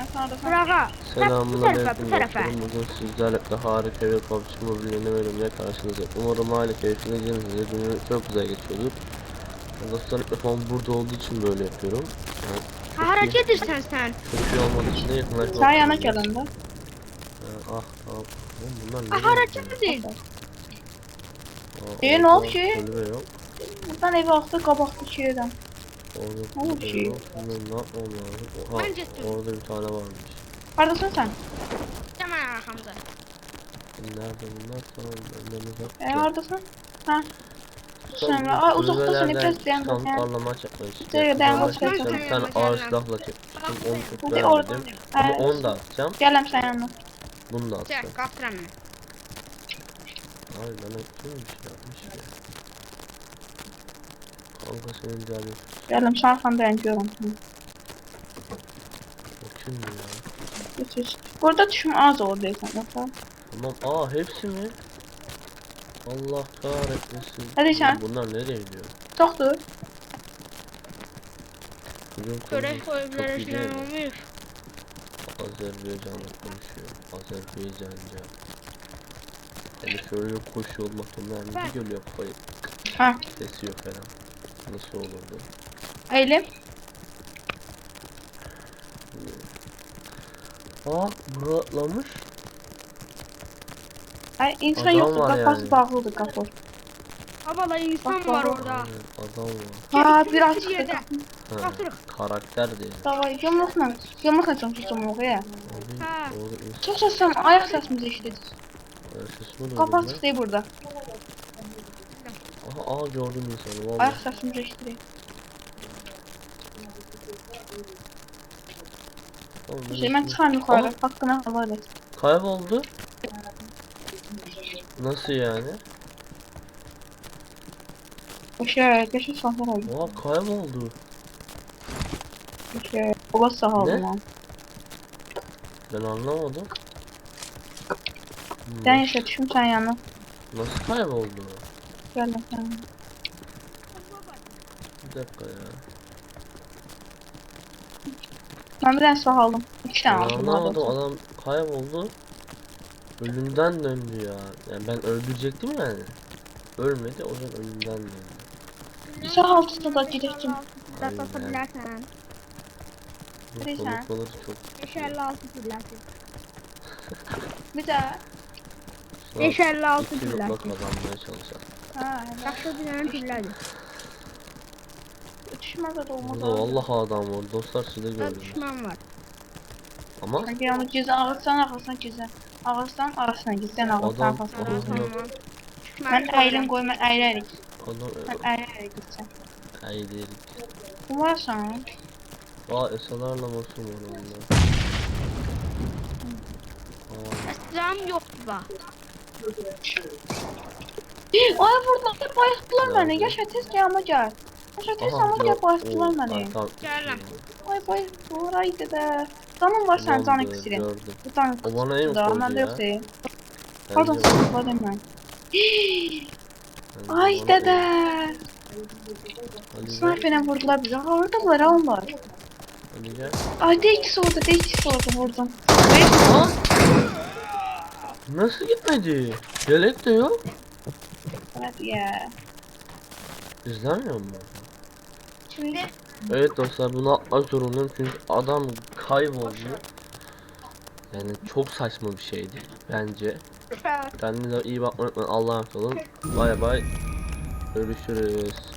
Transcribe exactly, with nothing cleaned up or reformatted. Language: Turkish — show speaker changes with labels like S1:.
S1: ya. Sağda sağda.
S2: Burağa.
S3: Selamünaleyküm dostlarım. Bugün sizlerle de harika bir P U B G Mobile yeni bölümle karşınızdayım. Umarım hala keyfiniz yerinizde. Günü çok güzel geçiyordur. Dostlarım mikrofon burada olduğu için böyle yapıyorum. Yani
S2: Ha, hareket etsen sen.
S3: çok iyi olmadığı için de yakınlaşmak.
S1: Sağ yana gelin de.
S3: Ah ah. Oğlum bunlar
S2: Ha,
S3: ne?
S2: hareket edin.
S1: E, ne oldu ki?
S3: Kulübe yok.
S1: Buradan eve baktı kabaklı şeyden.
S3: Orada
S1: Ne oldu
S3: kulübe
S1: ki?
S3: yok. Bunlar ne yapmam lazım? Oha,
S2: Bence-
S3: orada bir tane varmış.
S1: Neredesin sen?
S2: Hemen arkamda.
S3: Nerede bunlar? Tamam önlerine bak.
S1: E neredesin? Ha. Sonra ay uzaktasın biraz dayan
S3: Tam
S1: bakayım.
S3: parla maç yapmayı işte.
S1: Şöyle ben
S3: Parla
S1: bakacağım.
S3: maç yapacağım. Bir tane ağır silahla çekmiştim. Onu çok
S1: Hadi oradan.
S3: beğenmedim. Ama
S1: Evet.
S3: onu da atacağım.
S1: Gelem sen yanına.
S3: Bunu da atacağım.
S2: Çek, kaptıram ben.
S3: Ay bana kim bir şey yapmış ya. Kanka senin canın.
S1: Gelem sen arkanda yanıyorum.
S3: O kim ya?
S1: Geç geç. Burada düşüm az oradaysan yoksa.
S3: Tamam aa hepsi mi? Allah kahretmesin.
S1: Hadi sen.
S3: Bunlar nereye gidiyor?
S1: Çoktur.
S3: Bugün
S2: Görev
S3: konu
S2: koyuplere
S3: çok iyi değil
S2: falan
S3: mi?
S2: olmuyor.
S3: Azerbaycan'la konuşuyor. Azerbaycanca. Hani şöyle koşuyor olmaktan yani
S2: Ben-
S3: bir geliyor kafayı.
S1: Ha.
S3: Kesiyor falan. Nasıl olurdu?
S1: Eğilim.
S3: Aa buraklamış.
S1: Ay insan
S3: Adam
S1: yoktu.
S3: var
S1: Kafası
S3: yani.
S1: bağlıdır kapı.
S2: Abala insan
S1: Bak,
S2: var
S1: bak.
S2: orada.
S3: Aynen, adam var.
S1: Ha
S2: Kemik
S1: biraz
S2: bir
S1: çıktı.
S2: yerde.
S3: Ha,
S2: Kaptırık.
S3: karakter değil.
S1: Davay yumrukla. Yumrukla çalışacağım oraya.
S3: Abi
S2: Ha.
S3: orada insan
S1: Çok seslen ayak sesimizi işledik.
S3: sesimi duydum
S1: Kapat
S3: ben.
S1: çıktı burada.
S3: Aha aa gördüm insanı valla.
S1: Ayak sesimizi işledik.
S3: Oğlum,
S1: Şey ben
S3: neresi?
S1: çıkarım yukarı.
S3: Aa,
S1: Hakkına havale et.
S3: kayboldu. Nasıl yani?
S1: Şey, geçin sahne oldu.
S3: Oha kayboldu.
S1: Şey, baba sağ
S3: Ne?
S1: olun lan.
S3: Ben anlamadım. Hmm,
S1: Ben yaşa düşüm sen yanına.
S3: Nasıl kayboldu?
S1: Gel lan sen.
S3: Bir dakika ya.
S1: Ben bir tane silah aldım. İki
S3: Ben
S1: tane aldım.
S3: anlamadım
S1: Aldım.
S3: adam kayboldu. Ölümden döndü ya. Yani ben öldürecektim yani. Ölmedi o zaman ölümden döndü.
S1: Silah altısında da gidecektim.
S2: Dört atabilirsen.
S3: Bu
S1: Neyse.
S3: konuşmaları çok.
S2: beş elli altı fırlarsın.
S1: Bir daha.
S2: beş elli altı
S3: iki yılda
S2: fırlarsın.
S3: kazanmaya çalışalım.
S1: Ha,
S2: Yaxşı dinlenen fırlardı.
S1: düşmez de olmaz.
S3: Burada vallahi adam var. Dostlar siz de
S2: Burada
S3: gördünüz.
S2: düşman var.
S3: Ama
S1: Sanki yanı gizli ağızdan arkasına gizli. Ağızdan arasına gizli. Ağızdan
S3: Adam-
S1: arkasına
S3: Aha.
S1: gizli.
S2: Tamam.
S1: Ben eğilim koy, ben eğilerek.
S3: adam
S1: Ben eğilerek gideceğim.
S3: Haydi.
S1: Umarsan.
S3: Aa esalarla masum var onda. Aa,
S2: Silahım yok bak.
S1: Ay burada bayılttılar
S3: Nerede?
S1: beni. Yaşa tez ki ama gel. Yaşa tez ama
S3: gör-
S1: gel bayılttılar
S3: Oo,
S1: beni.
S3: arkam-
S2: Geldim.
S1: Ay bayılttılar ay dede. Canım var sen
S3: Tamamdır,
S1: can iksirin.
S3: gördüm.
S1: Bu can
S3: O bana en
S1: da
S3: koydu
S1: bende
S3: ya.
S1: yok değil.
S3: Bence
S1: Pardon
S3: bana-
S1: sıkıntı ben.
S3: bence
S1: Ay
S3: bana
S1: dede.
S3: o- Ali gel.
S1: Sniper'e vurdular bize. Ha oradalar ha onlar.
S3: Ali gel.
S1: Ay de ikisi orada de ikisi orada vurdum.
S3: Aa! Nasıl gitmedi? Yelek de yok.
S1: Evet ya.
S3: İzlemiyor mu?
S1: Şimdi
S3: Evet dostlar bunu atmak zorundayım çünkü adam kayboldu. Yani çok saçma bir şeydi bence. Kendinize iyi bakmayı unutmayın. Allah'a emanet olun. Bay bay. Görüşürüz.